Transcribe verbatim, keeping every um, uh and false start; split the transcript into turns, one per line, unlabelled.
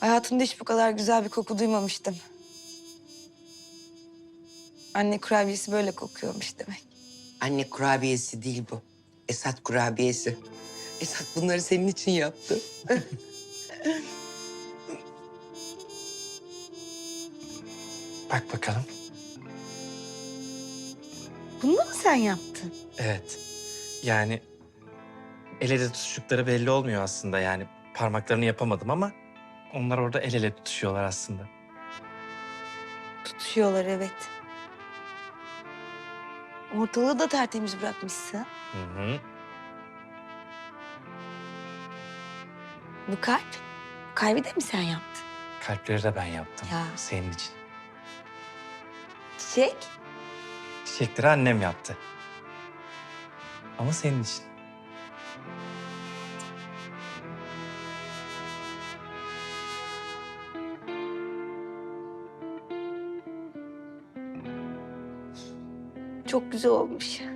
Hayatımda hiç bu kadar güzel bir koku duymamıştım. Anne kurabiyesi böyle kokuyormuş demek.
Anne kurabiyesi değil bu. Esat kurabiyesi. Esat bunları senin için yaptı.
Bak bakalım.
Bunu da mı sen yaptın?
Evet. Yani el ele tutuştukları belli olmuyor aslında yani. Parmaklarını yapamadım ama onlar orada el ele tutuşuyorlar aslında.
Tutuşuyorlar evet. Ortalığı da tertemiz bırakmışsın.
Hı hı.
Bu kalp, kalbi de mi sen yaptın?
Kalpleri de ben yaptım.
Ya.
Senin için.
Çiçek?
Çiçekleri annem yaptı. Ama senin için.
Çok güzel olmuş.